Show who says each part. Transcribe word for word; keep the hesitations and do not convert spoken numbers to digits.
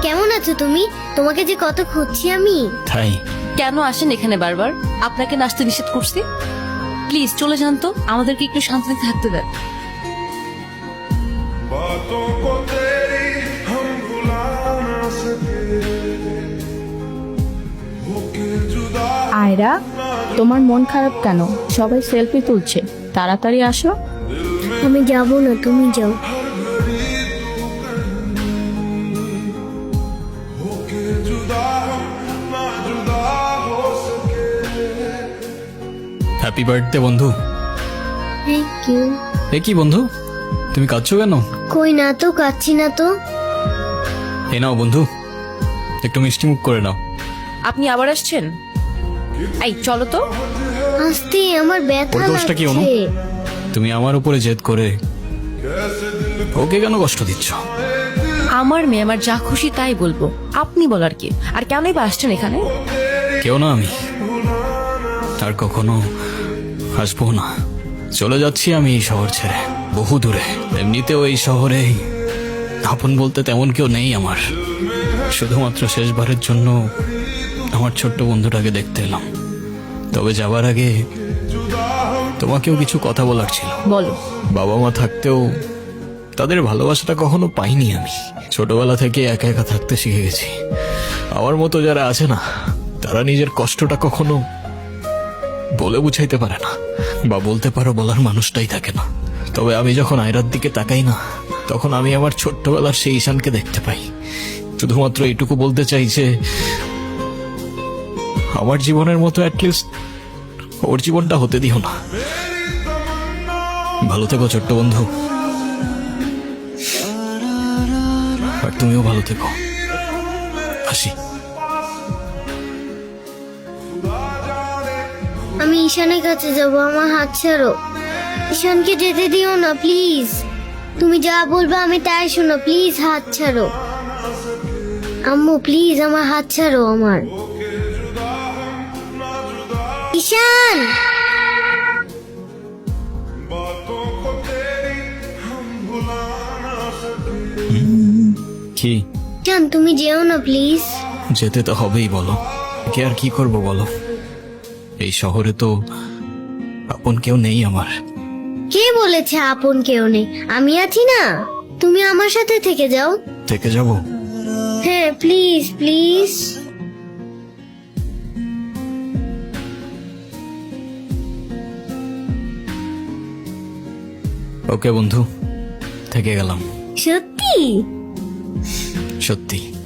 Speaker 1: কেমন আছো তুমি? তোমাকে যে কত খুঁজছি আমি।
Speaker 2: তাই
Speaker 3: কেন আসেন এখানে বারবার? আপনাকে নাচতে নিষেধ করছি। প্লিজ চলে যান তো, আমাদেরকে একটু শান্তিতে থাকতে দেন।
Speaker 4: बातों को तेरी हम भुला ना सके होके जुदा
Speaker 5: আয়রা, তোমার মন খারাপ কেন? সবাই সেলফি তুলছে, তাড়াতাড়ি আসো।
Speaker 1: আমি যাব না, তুমি যাও।
Speaker 4: होके जुदा हम ना जुदा हो सके
Speaker 2: হ্যাপি বার্থডে বন্ধু।
Speaker 1: Thank you.
Speaker 2: এ কি বন্ধু, তুমি কাঁদছো কেন?
Speaker 1: কই না তো, কাচ্ছি না তো।
Speaker 2: এ নাও বন্ধু, একটু মিষ্টি মুখ করে নাও।
Speaker 3: আপনি আবার আসছেন? এই চলো তো।
Speaker 1: আস্তে, আমার ব্যথা
Speaker 2: ওর দোষটা কি অনু?
Speaker 1: লাগছে।
Speaker 2: তুমি আমার উপরে জেদ করে ওকে কেন কষ্ট দিচ্ছ?
Speaker 3: আমার মেয়ে আমার যা খুশি তাই বলবো, আপনি বলার কি? আর কেনই বা আসছেন এখানে?
Speaker 2: কেউ না আমি, আর কখনো আসবো না। চলে যাচ্ছি আমি এই শহর ছেড়ে, বহু দূরে। এমনিতেও এই শহরে আপন বলতে তেমন কেউ নেই আমার। শুধুমাত্র শেষবারের জন্য আমার ছোট্ট বন্ধুটাকে দেখতে এলাম। তবে যাবার আগে তোমাকেও কিছু কথা বলার ছিল।
Speaker 3: বলো।
Speaker 2: বাবা মা থাকতেও তাদের ভালোবাসাটা কখনো পাইনি আমি। ছোটবেলা থেকে একা একা থাকতে শিখে গেছি। আমার মতো যারা আছে না, তারা নিজের কষ্টটা কখনো বলে বুঝাইতে পারে না, বা বলতে পারো বলার মানুষটাই থাকে না। তবে আমি যখন আয়রার দিকে তাকাই না, তখন আমি আমার ছোট্টবেলার সেই ঈশানকে দেখতে পাই। শুধুমাত্র এইটুকু বলতে চাই যে আমার জীবনের মতো অ্যাটলিস্ট ওর জীবনটা হতে দিও না। ভালো থেকো ছোট্ট বন্ধু, আর তুমিও ভালো থেকো। আসি।
Speaker 1: আমি ঈশানের কাছে যাব, আমার হাত ছাড়ো। ঈশানকে যেতে দিও না প্লিজ। তুমি যা বলবে আমি তাই শোনো, প্লিজ হাত ছাড়ো। আম্মু প্লিজ আমার হাত ছাড়ো আমার। ঈশান,
Speaker 4: बातों को तेरी हम भुला ना सके
Speaker 2: কি
Speaker 1: ঈশান তুমি যেও না প্লিজ।
Speaker 2: যেতে তো হবেই, বলো। কে আর কি করব বলো? এই শহরে তো আপন কেউ নেই আমার।
Speaker 1: কে বলেছে আপন কেউ নেই? আমি আছি না, তুমি আমার সাথে থেকে যাও।
Speaker 2: থেকে যাব?
Speaker 1: হ্যাঁ প্লিজ প্লিজ।
Speaker 2: ওকে বন্ধু, থেকে গেলাম।
Speaker 1: সত্যি?
Speaker 2: সত্যি।